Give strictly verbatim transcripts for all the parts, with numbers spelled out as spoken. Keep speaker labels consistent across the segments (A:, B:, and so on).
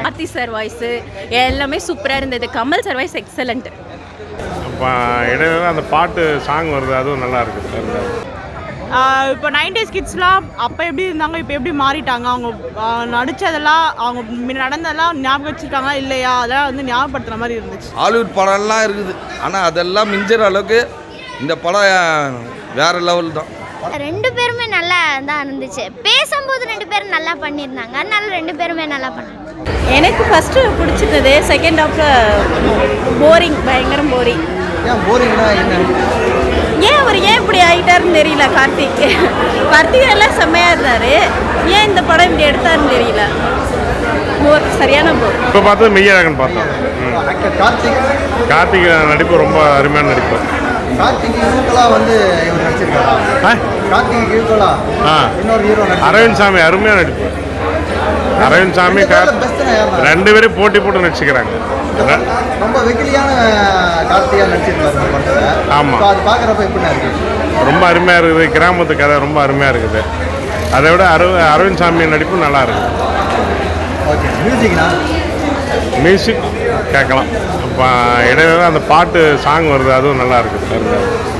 A: Karthi sir voice எல்லாமே சூப்பராக இருந்தது. Kamal sir voice excellent.
B: இப்போ இடையில அந்த பாட்டு சாங் வருது, அதுவும் நல்லா இருக்குது.
C: இப்போ நைன்டிஸ் கிட்ஸ்லாம் அப்போ எப்படி இருந்தாங்க, இப்போ எப்படி மாறிட்டாங்க, அவங்க நடித்ததெல்லாம் அவங்க நடந்ததெல்லாம் ஞாபகம் வச்சுருக்காங்க இல்லையா, அதெல்லாம் வந்து ஞாபகப்படுத்துகிற மாதிரி இருந்துச்சு.
D: ஹாலிவுட் படம்லாம் இருக்குது, ஆனால் அதெல்லாம் மிஞ்சிற அளவுக்கு இந்த படம் வேறு லெவல் தான்.
E: ரெண்டு பேருமே நல்லா தான் இருந்துச்சு. பேசும்போது ரெண்டு பேரும் நல்லா பண்ணியிருந்தாங்க, அதனால ரெண்டு பேருமே நல்லா பண்ணாங்க.
A: எனக்கு ஃபஸ்ட்டு பிடிச்சிருந்தது, செகண்ட் ஹாஃபில் போரிங், பயங்கரம் போரிங்.
F: ஏன் போரிங்னா என்ன?
A: ஏன் அவர் ஏன் இப்படி ஆகிட்டாருன்னு தெரியல. கார்த்திக் கார்த்திக் எல்லாம் செம்மையாக இருந்தார், ஏன் இந்த படம் இப்படி எடுத்தாருன்னு தெரியல. போர், சரியான போர்.
B: இப்போ பார்த்தது மெய்யழகன் பார்த்தோம்.
F: கார்த்திக்
B: கார்த்திக் நடிப்பு ரொம்ப அருமையான நடிப்பு.
F: கார்த்திக் ஈக்குவலாக வந்து இவர் நடிச்சிருக்காரு. கார்த்திக் ஈக்குவலாக
B: ஆ
F: இன்னொரு ஹீரோ
B: அரவிந்த் சாமி அருமையாக நடிப்பு. அரவிந்த் சாமி ரெண்டு பேரும் போட்டி போட்டு நடிச்சுக்கிறாங்க.
F: ரொம்ப வெகுலியான கார்த்திகா நடிச்சிருக்காரு. ஆமாம், அது பார்க்குறப்ப எப்படி இருக்குது?
B: ரொம்ப அருமையாக இருக்குது. கிராமத்து கதை ரொம்ப அருமையாக இருக்குது. அதை விட அரு அரவிந்த் சாமி நடிப்பு நல்லா இருக்குது.
F: ஓகே, மியூசிக்னா
B: மியூசிக் கேட்கலாம். இப்போ இடையில அந்த பாட்டு சாங் வருது, அதுவும் நல்லா இருக்குது.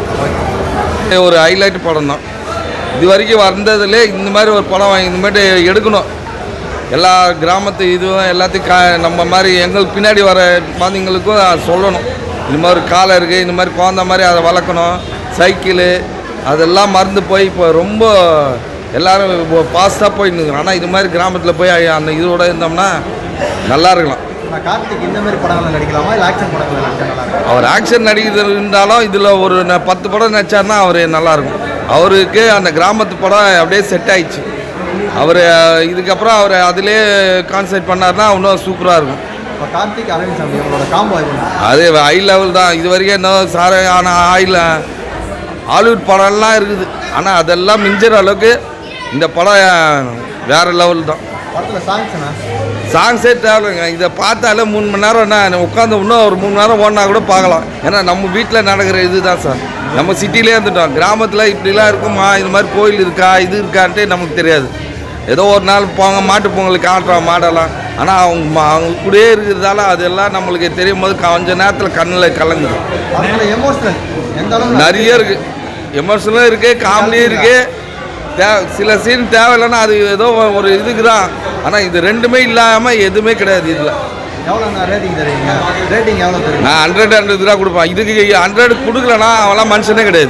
D: ஒரு ஹைலைட் படம் தான் இது வரைக்கும் வந்ததுலே. இந்த மாதிரி ஒரு படம் வாங்கி இந்த மாதிரி எடுக்கணும். எல்லா கிராமத்து இதுவும் எல்லாத்தையும் கா நம்ம மாதிரி எங்களுக்கு பின்னாடி வர குழந்தைங்களுக்கும் சொல்லணும். இது மாதிரி காலை இருக்குது, இந்த மாதிரி குழந்த மாதிரி அதை வளர்க்கணும். சைக்கிளு அதெல்லாம் மறந்து போய் இப்போ ரொம்ப எல்லோரும் இப்போ ஃபாஸ்ட்டாக போயின்னு இருக்கிறோம். ஆனால் இது மாதிரி கிராமத்தில் போய் அந்த இதோட இருந்தோம்னா நல்லா இருக்கலாம்.
F: கார்த்திக் இந்த மாதிரி படங்கள் நடிக்கலாமா, இல்லை ஆக்ஷன் படங்கள் நடிச்சா நல்லா இருக்கும்?
D: அவர் ஆக்ஷன் நடிக்கிறது இருந்தாலும் இதில் ஒரு பத்து படம் நடிச்சார்னா அவர் நல்லாயிருக்கும். அவருக்கு அந்த கிராமத்து படம் அப்படியே செட் ஆயிடுச்சு. அவர் இதுக்கப்புறம் அவர் அதிலே கான்சன்ட்ரேட் பண்ணார்னா இன்னும் சூப்பராக இருக்கும்.
F: இப்போ கார்த்திக் அரவிந்த் சாமி அவங்களோட காம்போ
D: அது ஹை லெவல் தான். இது வரைக்கும் இன்னும் சாரையான ஆயில் ஹாலிவுட் படம்லாம் இருக்குது, ஆனால் அதெல்லாம் மிஞ்சிற அளவுக்கு இந்த படம் வேறு லெவல் தான்.
F: படத்தில் சாங்ஸ்னா
D: சாங்ஸே தேவைங்க. இதை பார்த்தாலே மூணு மணி நேரம் என்ன உட்காந்து இன்னும் ஒரு மூணு நேரம் ஓடினா கூட பார்க்கலாம். ஏன்னா நம்ம வீட்டில் நடக்கிற இது தான் சார். நம்ம சிட்டிலே இருந்துட்டோம். கிராமத்தில் இப்படிலாம் இருக்குமா, இது மாதிரி கோயில் இருக்கா, இது இருக்கான்ட்டு நமக்கு தெரியாது. ஏதோ ஒரு நாள் போங்க மாட்டு பொங்கலுக்கு ஆட்டுறோம் மாடலாம். ஆனால் அவங்க அவங்க கூடயே இருக்கிறதால அதெல்லாம் நம்மளுக்கு தெரியும் போது கொஞ்சம் நேரத்தில் கண்ணில் கலங்குது.
F: எமோஷனல் எந்த அளவுக்கு
D: நிறைய இருக்குது. எமோஷனலும் இருக்குது, காமெடியும் இருக்குது. தே சில சீன் தேவையில்லைன்னா அது ஏதோ ஒரு இதுக்கு தான். ஆனால் இது ரெண்டுமே இல்லாமல் எதுவுமே கிடையாது. இதில்
F: எவ்வளோ ரேட்டிங் தருவீங்க? ரேட்டிங் எவ்வளோ தருவீங்க?
D: நான் ஹண்ட்ரட் ஹண்ட்ரட் ரூபா கொடுப்பேன். இதுக்கு ஹண்ட்ரட் கொடுக்கலன்னா அவெல்லாம் மனுஷனே கிடையாது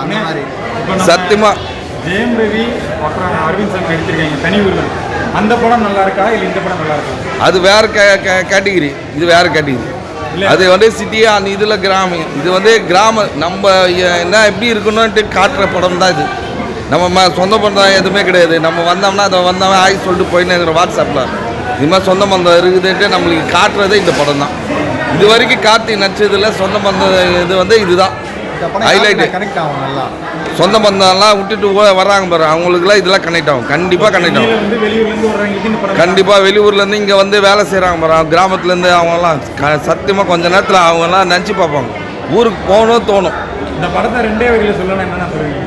D: சத்தியமாக.
G: ஜெயம் ரவி அப்புறம் அரவிந்த் சாமி நடிச்சிருக்காங்க தனி ஊரில். அந்த படம் நல்லா இருக்கா இல்லை இந்த படம் நல்லா இருக்கா?
D: அது வேறு கே கேட்டகிரி, இது வேறு கேட்டகிரி. அது வந்து சிட்டியாக அந்த இதில் கிராமம், இது வந்து கிராம நம்ம என்ன எப்படி இருக்கணும்ன்ட்டு காட்டுற படம் தான் இது. நம்ம சொந்த பந்தம் எதுவுமே கிடையாது. நம்ம வந்தோம்னா அதை வந்தவன் ஆகி சொல்லிட்டு போயின்னு வாட்ஸ்அப்பில் இது மாதிரி சொந்த பந்தம் இருக்குதுன்ட்டு நம்மளுக்கு காட்டுறதே இந்த படம் தான். இது வரைக்கும் கார்த்திக் நடிச்சதில் சொந்த பந்தம் இது வந்து இதுதான் ஹைலைட்டு.
F: கனெக்ட் ஆகும் நல்லா.
D: சொந்த பந்தம்லாம் விட்டுட்டு வர்றாங்க பாரு, அவங்களுக்குலாம் இதெல்லாம் கனெக்ட் ஆகும். கண்டிப்பாக கனெக்ட் ஆகும். கண்டிப்பாக வெளியூர்லேருந்து இங்கே வந்து வேலை செய்கிறாங்க பாரு, கிராமத்துலேருந்து அவங்கெல்லாம் க சத்தியமாக கொஞ்ச நேரத்தில் அவங்கெல்லாம் நினச்சி பார்ப்பாங்க. ஊருக்கு போகணும் தோணும்.
G: இந்த படத்தை ரெண்டே வகையில் சொல்லணும், என்னென்ன சொல்லுவீங்க?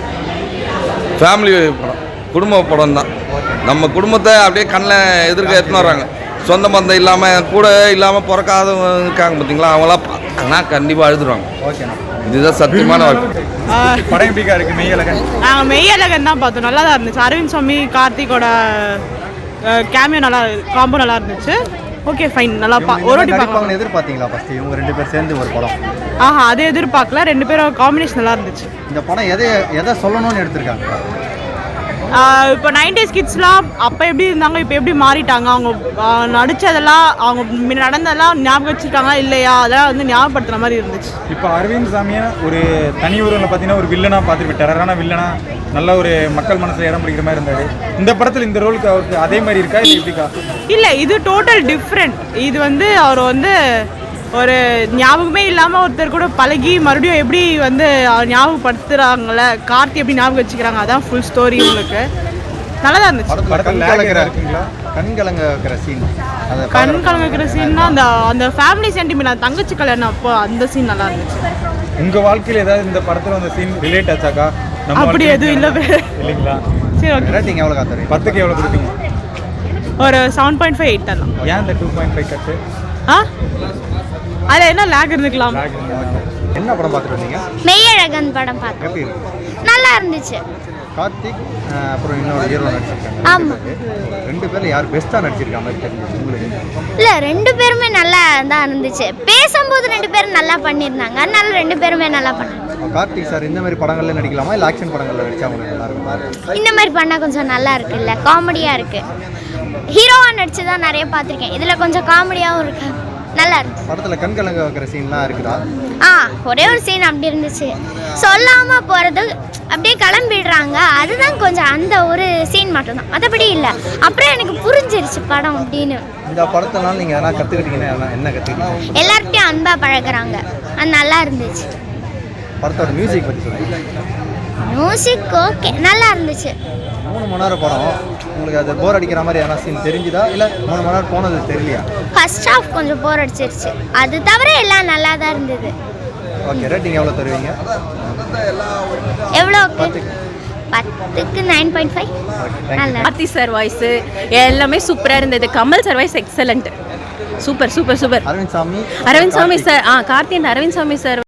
D: ஃபேமிலி படம், குடும்ப படம் தான். நம்ம குடும்பத்தை அப்படியே கண்ணில் எதிர்க்க எடுத்துன்னு வர்றாங்க. சொந்த பந்தம் இல்லாமல் கூட இல்லாமல் பிறக்காதவங்க இருக்காங்க பார்த்தீங்களா, அவங்களாம் பார்த்தாங்கன்னா கண்டிப்பாக அழுதுருவாங்க.
F: ஓகேண்ணா,
D: இதுதான் சத்தியமான வாழ்க்கை.
G: படம் எப்படிக்கா இருக்குது? மெய்யழகன்
C: நாங்கள் மெய்யழகன் தான் பார்த்தோம், நல்லா தான் இருந்துச்சு. அரவிந்த் சாமி கார்த்திகோட கேமியோ நல்லா, காம்போ நல்லா இருந்துச்சு. ஓகே ஃபைன், நல்லா பா ஒரு வாட்டி பார்க்கலாம்.
F: எதிர்பார்த்தீங்களா ஃபஸ்ட்டு இவங்க ரெண்டு பேர் சேர்ந்து ஒரு படம்?
C: ஆஹா, அதை எதிர்பார்க்கல. ரெண்டு பேரும் காம்பினேஷன் நல்லா இருந்துச்சு.
F: இந்த படம் எதை எதை சொல்லணும்னு எடுத்திருக்காங்க?
C: இப்போ நைன்டிஸ் கிட்ஸ்லாம் அப்போ எப்படி இருந்தாங்க, இப்போ எப்படி மாறிட்டாங்க, அவங்க நடித்ததெல்லாம் அவங்க நடந்ததெல்லாம் ஞாபகம் வச்சுருக்காங்க இல்லையா, அதெல்லாம் வந்து ஞாபகப்படுத்துகிற மாதிரி இருந்துச்சு.
G: இப்போ அரவிந்த் சாமியை ஒரு தனி ஊரில் பார்த்தீங்கன்னா ஒரு வில்லனாக பார்த்துருப்பேன். டெரரான வில்லனா, நல்ல ஒரு மக்கள் மனசில் இடம் பிடிக்கிற மாதிரி இருந்தார். இந்த படத்தில் இந்த ரோலுக்கு அவருக்கு அதே மாதிரி இருக்கா இல்லை எப்படிக்கா?
C: இல்லை, இது டோட்டல் டிஃப்ரெண்ட். இது வந்து அவர் வந்து ஒரு ஞாபகமே இல்லாமல் ஒருத்தர் கூட பழகி மறுபடியும் எப்படி வந்து ஞாபகப்படுத்துகிறாங்கள, கார்த்தி எப்படி ஞாபகம் வச்சுக்கிறாங்க, அதான் ஃபுல் ஸ்டோரி. உங்களுக்கு நல்லா தான் இருந்துச்சு.
F: கண் கலங்க வைக்கிற சீன்,
C: கண் கலங்க வைக்கிற சீன்னா அந்த அந்த ஃபேமிலி சென்டிமெண்ட், தங்கச்சி கல்யாணம் அப்போ அந்த சீன் நல்லா இருந்துச்சு.
G: உங்கள் வாழ்க்கையில் ஏதாவது இந்த படத்தில் அந்த சீன் ரிலேட் ஆச்சாக்கா?
C: அப்படி எதுவும் இல்லை இல்லைங்களா? சரி, ஓகே.
F: ரேட்டிங் எவ்வளோ காத்துறீங்க?
G: பத்துக்கு எவ்வளோ கொடுப்பீங்க?
C: ஒரு செவன் பாயிண்ட் ஃபைவ் எயிட் தரலாம்.
G: ஏன் இந்த டூ பாயிண்ட் ஃபைவ் கட்டு
C: ஆ அதில் என்ன லேக் இருந்துக்கலாம்.
F: என்ன படம் பார்த்துட்டு வந்தீங்க?
E: மெய்யழகன் படம் பார்த்தோம்.
F: எப்படி இருக்கு?
E: நல்லா இருந்துச்சு.
F: கார்த்திக் அஹ், அப்புறம் இன்னொரு ஹீரோ நடிச்சிருக்காங்க.
E: ஆமா.
F: ரெண்டு பேர்ல யார் பெஸ்ட்டாக நடிச்சிருக்க மாதிரி தெரிஞ்சு உங்களுக்கு?
E: இல்லை ரெண்டு பேருமே நல்லா தான் இருந்துச்சு. பேசும்போது ரெண்டு பேரும் நல்லா பண்ணியிருந்தாங்க. அதனால ரெண்டு பேருமே நல்லா பண்ணாங்க.
F: கார்த்திக் சார் இந்த மாதிரி படங்கள்ல நடிக்கலாமா இல்லை ஆக்ஷன் படங்கள்ல நடிச்சா உங்களுக்கு நல்லா இருக்குமா?
E: இந்த மாதிரி பண்ணால் கொஞ்சம் நல்லா இருக்குல்ல, காமெடியாக இருக்குது. ஹீரோவாக நடிச்சு தான் நிறைய பார்த்துருக்கேன். இதில் கொஞ்சம் காமெடியாகவும் இருக்கு, நல்லா இருக்கு.
F: படத்தில் கண் கலங்க வைக்கிற சீன்லாம் இருக்குதா?
E: ஆ ஒரே ஒரு சீன் அப்படி இருந்துச்சு. சொல்லாமல் போகிறது அப்படியே கிளம்பிடுறாங்க. அதுதான் கொஞ்சம் அந்த ஒரு சீன் மட்டும்தான், மற்றபடி இல்லை. அப்புறம் எனக்கு புரிஞ்சிருச்சு படம் அப்படின்னு.
F: இந்த படத்தினால நீங்கள் எதனா கற்றுக்கிட்டீங்கன்னா என்ன கற்றுக்கிட்டீங்க?
E: எல்லார்ட்டையும் அன்பாக பழகுறாங்க, அது நல்லா இருந்துச்சு.
F: படத்தோட மியூசிக் பற்றி சொல்லுங்க.
E: மியூசிக் ஓகே, நல்லா இருந்துச்சு.
F: மூணு மணி நேரம் படம், உங்களுக்கு அது போர் அடிக்கிற மாதிரி எதனா சீன் தெரிஞ்சுதா இல்லை மூணு மணி நேரம் போனது தெரியலையா?
E: ஃபர்ஸ்ட் ஹாஃப் கொஞ்சம் போர் அடிச்சிருச்சு, அது தவிர எல்லாம் நல்லா தான் இருந்தது.
F: ஓகே, ரேட்டிங் எவ்வளோ தருவீங்க?
E: எவ்வளோக்கு? பத்துக்கு நைன் பாயிண்ட் ஃபைவ். நல்லா
A: கார்த்தி சார் வாய்ஸு எல்லாமே சூப்பராக இருந்தது. Kamal sir voice excellent, super super super.
F: Arvind Swamy
A: Arvind Swamy sir ஆ கார்த்தி அண்ட் அரவிந்த் சாமி சார்